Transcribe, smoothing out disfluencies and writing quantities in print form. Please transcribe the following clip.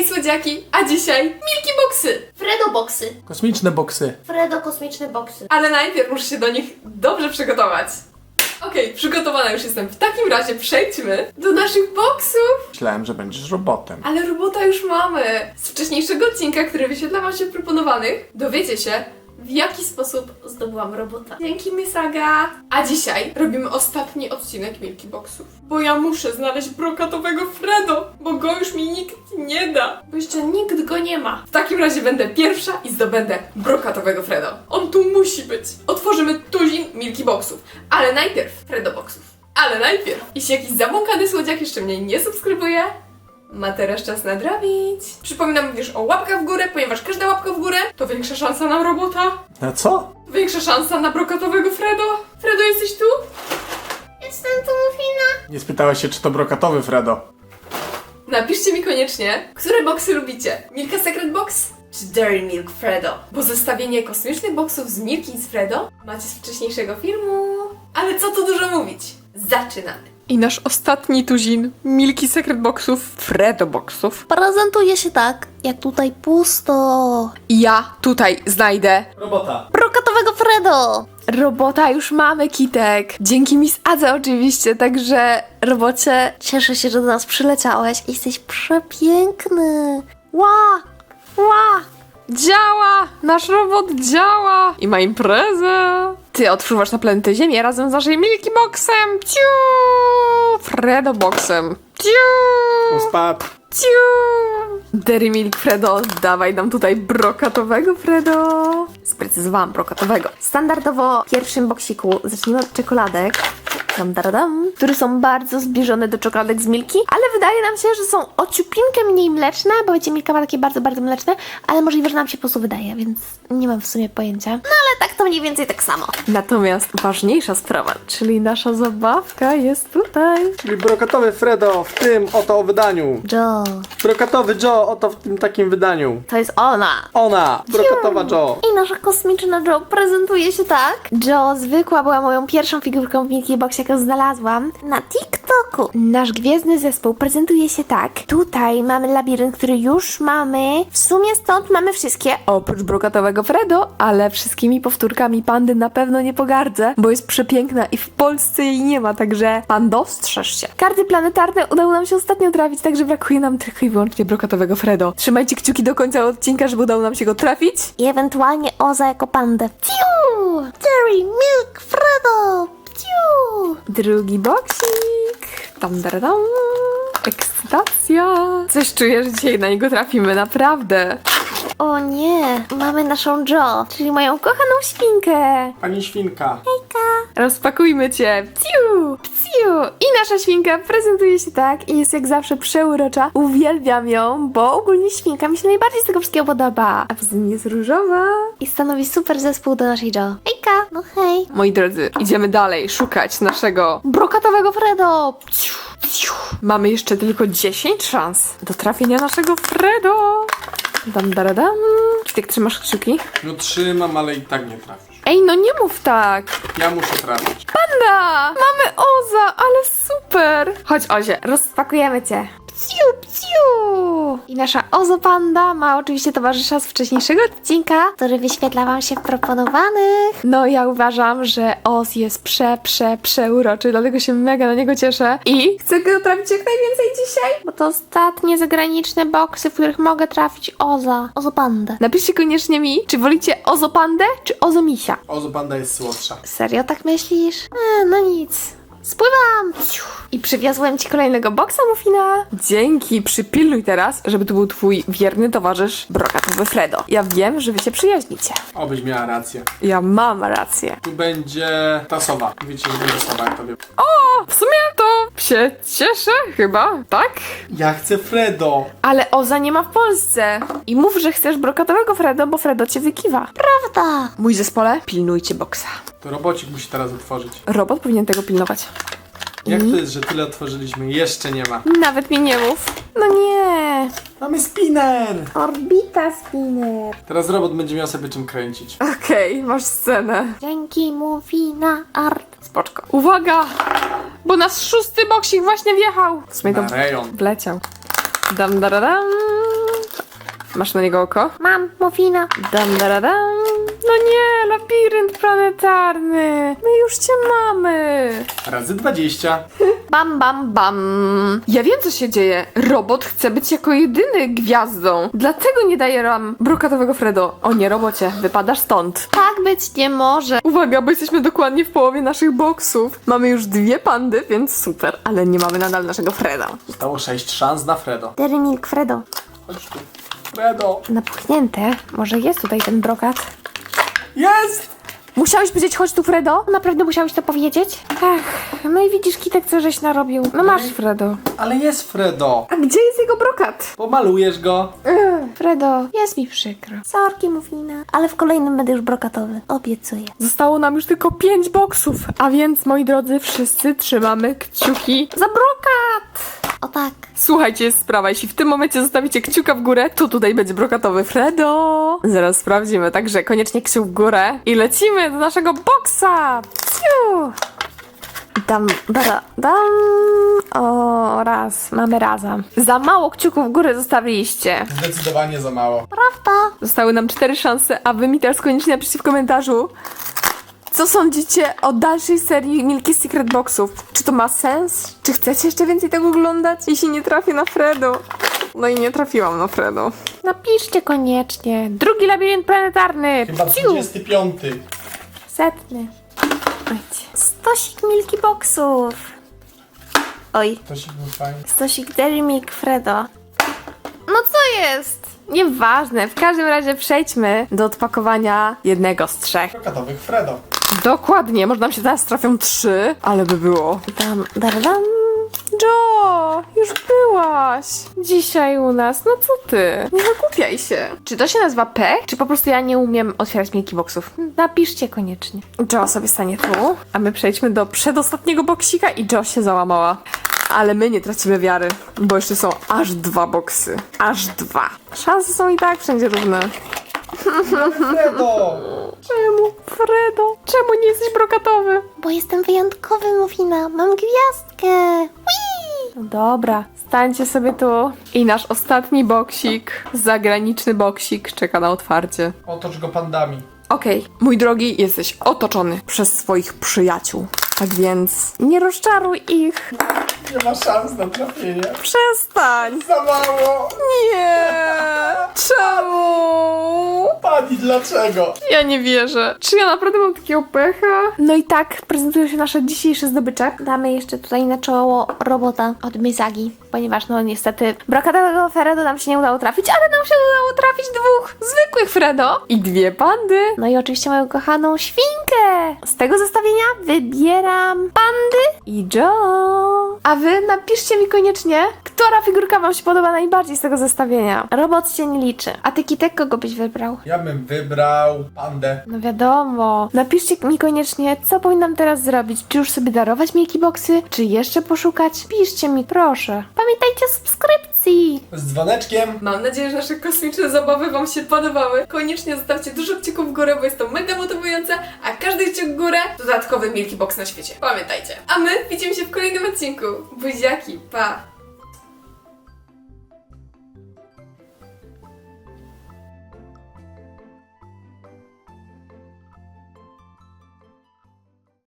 słodziaki, a dzisiaj Milky Boxy. Fredo boxy. Kosmiczne boksy. Fredo kosmiczne boxy. Ale najpierw muszę się do nich dobrze przygotować. Okej, przygotowana już jestem. W takim razie przejdźmy do naszych boksów. Myślałem, że będziesz robotem. Ale robota już mamy. Z wcześniejszego odcinka, który wyświetla wam się w proponowanych, dowiecie się, w jaki sposób zdobyłam robota. Dzięki, Miss Aga. A dzisiaj robimy ostatni odcinek Milky Boxów. Bo ja muszę znaleźć brokatowego Fredo, bo go już mi nikt nie da. Bo jeszcze nikt go nie ma. W takim razie będę pierwsza i zdobędę brokatowego Fredo. On tu musi być. Otworzymy tuzin Milky Boxów. Ale najpierw Fredo Boxów. Ale najpierw, jeśli jakiś zabłąkany słodziak jeszcze mnie nie subskrybuje, ma teraz czas nadrobić. Przypominam również o łapkach w górę, ponieważ każda łapka w górę to większa szansa na robota. Na co? Większa szansa na brokatowego Fredo. Fredo, jesteś tu? Jestem tu, Mufina. Nie spytałaś się, czy to brokatowy Fredo. Napiszcie mi koniecznie, które boksy lubicie. Milka Secret Box czy Dairy Milk Fredo? Bo zestawienie kosmicznych boksów z Milky i z Fredo macie z wcześniejszego filmu. Ale co tu dużo mówić? Zaczynamy. I nasz ostatni tuzin Milky Secret Boxów, Fredo Boxów. Prezentuje się tak, jak tutaj pusto. Ja tutaj znajdę Robota. Brokatowego Fredo. robota, już mamy, Kitek. Dzięki Miss Adze oczywiście, także robocie. Cieszę się, że do nas przyleciałeś. Jesteś przepiękny. Ła! Ła! Działa! Nasz robot działa! I ma imprezę! Ty odpływasz na planetę Ziemię razem z naszym Milky Boxem! Ciu! Fredo Boxem! Ciu! Uspap. Ciu! Dairy Milk Fredo, dawaj nam tutaj brokatowego Fredo! Sprecyzowałam brokatowego. Standardowo w pierwszym boksiku zacznijmy od czekoladek. Które są bardzo zbliżone do czekoladek z Milky, ale wydaje nam się, że są o ciupinkę mniej mleczne, bo wiecie, Milka ma takie bardzo, bardzo mleczne, ale możliwe, że nam się po prostu wydaje, więc nie mam w sumie pojęcia. No ale tak to mniej więcej tak samo. Natomiast ważniejsza sprawa, czyli nasza zabawka jest tutaj. Czyli brokatowy Fredo w tym oto wydaniu. Joe, Brokatowy Joe oto w tym takim wydaniu. to jest ona. Ona, brokatowa Joe. I nasza kosmiczna Joe prezentuje się tak. Joe zwykła była moją pierwszą figurką w Milky Box, jaką znalazłam na TikToku. Nasz gwiezdny zespół prezentuje się tak. Tutaj mamy labirynt, który już mamy. W sumie stąd mamy wszystkie. Oprócz brokatowego Fredo, ale wszystkimi powtórkami pandy na pewno nie pogardzę, bo jest przepiękna i w Polsce jej nie ma, także pando, strzeż się. Karty planetarne udało nam się ostatnio trafić, także brakuje nam tylko i wyłącznie brokatowego Fredo. Trzymajcie kciuki do końca odcinka, żeby udało nam się go trafić. I ewentualnie Oza jako pandę. Ciu! Dairy Milk Fredo! Ciu! Drugi boksik. Tam, dam, dam. Ekscytacja. Coś czuję, że dzisiaj na niego trafimy, naprawdę. O nie, mamy naszą Joe, czyli moją kochaną świnkę. Pani świnka. Rozpakujmy cię. Pciu, pciu. I nasza świnka prezentuje się tak i jest jak zawsze przeurocza. Uwielbiam ją, bo ogólnie świnka mi się najbardziej z tego wszystkiego podoba. A poza tym jest różowa. I stanowi super zespół do naszej Joe. Hejka! No hej! Moi drodzy, idziemy dalej szukać naszego Brokatowego Fredo! pciu, pciu. Mamy jeszcze tylko 10 szans do trafienia naszego Fredo. Dam, daradam. Kitek, trzymasz kciuki? No trzymam, ale i tak nie trafisz. Ej, no nie mów tak. Ja muszę trafić. Panda! Mamy Oza, ale super! Chodź, Ozie, Rozpakujemy cię. Pciu, pciu! I nasza Ozo Panda ma oczywiście towarzysza z wcześniejszego odcinka, który wyświetla wam się w proponowanych. No ja uważam, że Oz jest przeuroczy, dlatego się mega na niego cieszę i chcę go trafić jak najwięcej dzisiaj. Bo to ostatnie zagraniczne boksy, w których mogę trafić Ozo Pandę. Napiszcie koniecznie mi, czy wolicie Ozo Pandę, czy Ozo Misia. Ozo Panda jest słodsza. Serio tak myślisz? No nic. Spływam! I przywiozłem ci kolejnego boksa, Mufina. Dzięki, przypilnuj teraz, żeby tu był twój wierny towarzysz brokatowy Fredo. Ja wiem, że wy się przyjaźnicie. Obyś miała rację. Ja mam rację. Tu będzie ta sowa. Wiecie, że będzie sowa, jak to wiem. W sumie to się cieszę chyba, tak? Ja chcę Fredo. Ale Oza nie ma w Polsce. I mów, że chcesz brokatowego Fredo, bo Fredo cię wykiwa. Prawda! Mój zespole, pilnujcie boksa. To robocik musi teraz otworzyć. Robot powinien tego pilnować. Jak to jest, że tyle otworzyliśmy? Jeszcze nie ma. Nawet mi nie mów. No nie. Mamy spinner! Orbita spinner. Teraz robot będzie miał sobie czym kręcić. Okej, masz scenę. Dzięki Mufina Art. Spoczko. Uwaga! Bo nasz 6. boksik właśnie wjechał. W sumie to Na rejon. wleciał. Dam, daradam. Masz na niego oko? Mam, Muffina. Dam, daradam. No nie, labirynt planetarny. My już cię mamy. Razy 20. Bam, bam, bam. Ja wiem, co się dzieje. Robot chce być jako jedyny gwiazdą. Dlatego nie daje nam brokatowego Fredo. O nie, robocie, wypadasz stąd. Tak być nie może. Uwaga, bo jesteśmy dokładnie w połowie naszych boksów. Mamy już 2 pandy, więc super. Ale nie mamy nadal naszego Freda. Zostało 6 szans na Fredo. Dairy Milk Fredo. Chodź tu. Fredo. Napuchnięte. Może jest tutaj ten brokat? Jest! Musiałeś powiedzieć, chodź tu, Fredo? Naprawdę musiałeś to powiedzieć? Ach, no i widzisz, Kitek, co żeś narobił. No masz, Fredo. Ale jest Fredo. A gdzie jest jego brokat? Pomalujesz go. Fredo, jest mi przykro. Sorki, Muffina. Ale w kolejnym będę już brokatowy. Obiecuję. Zostało nam już tylko 5 boksów. A więc, moi drodzy, wszyscy trzymamy kciuki za brokat. O tak. Słuchajcie, jest sprawa. Jeśli w tym momencie zostawicie kciuka w górę, to tutaj będzie brokatowy Fredo. Zaraz sprawdzimy, także koniecznie kciuk w górę. I lecimy do naszego boksa. Ciu. Dam, dara, dam. O, raz. Mamy razem. Za mało kciuków w górę zostawiliście. Zdecydowanie za mało. Prawda? Zostały nam 4 szanse, a wy mi teraz koniecznie napiszcie w komentarzu, co sądzicie o dalszej serii Milky Secret Boxów. Czy to ma sens? Czy chcecie jeszcze więcej tego oglądać? Jeśli nie trafię na Fredo. No i nie trafiłam na Fredo. Napiszcie koniecznie. Drugi labirynt planetarny. Chyba Pciu. 25. 100. Ojcie. Stosik Milky Boxów. Oj. To się był fajny. Stosik Dairy Milk Fredo. No co jest? Nieważne, w każdym razie przejdźmy do odpakowania jednego z 3. Brokatowych Fredo. Dokładnie, może nam się teraz trafią 3, ale by było. Dam, dar, dam. Jo, już byłaś dzisiaj u nas, no co ty? Nie wygłupiaj się. Czy to się nazywa pech, czy po prostu ja nie umiem otwierać Milky Boxów? Napiszcie koniecznie. Jo sobie stanie tu, a my przejdźmy do przedostatniego boksika i Jo się załamała. Ale my nie tracimy wiary, bo jeszcze są aż 2 boksy. Aż 2. Szanse są i tak wszędzie równe. Fredo! Czemu, Fredo? Czemu nie jesteś brokatowy? Bo jestem wyjątkowy, Muffina. Mam gwiazdkę. Whee! No dobra, stańcie sobie tu. I nasz ostatni boksik, zagraniczny boksik, czeka na otwarcie. Otocz go pandami. Okej, mój drogi, jesteś otoczony przez swoich przyjaciół. Tak więc nie rozczaruj ich. Nie ma szans na trafienie. Przestań! Za mało! Nie! Czemu? Pani, dlaczego? Ja nie wierzę. Czy ja naprawdę mam takiego pecha? No i tak prezentują się nasze dzisiejsze zdobycze. Damy jeszcze tutaj na czoło robota od Mizagi, ponieważ no niestety brokatowego Fredo nam się nie udało trafić, ale nam się udało trafić 2 Zwykłych Fredo i 2 pandy. No i oczywiście moją kochaną świnkę. Z tego zestawienia wybieram pandy. I Jo. A wy napiszcie mi koniecznie, która figurka wam się podoba najbardziej z tego zestawienia. Robot się nie liczy. A ty, Kitek, kogo byś wybrał? Ja bym wybrał pandę. No wiadomo. Napiszcie mi koniecznie, co powinnam teraz zrobić. Czy już sobie darować Milky Boxy? Czy jeszcze poszukać? Piszcie mi, proszę. Pamiętajcie o subskrypcji. Z dzwoneczkiem. Mam nadzieję, że nasze kosmiczne zabawy wam się podobały. Koniecznie zostawcie dużo kciuków w górę, bo jest to mega motywujące, a każdy kciuk w górę dodatkowy Milky Box na świecie. Pamiętajcie. A my widzimy się w kolejnym odcinku. Buziaki, pa!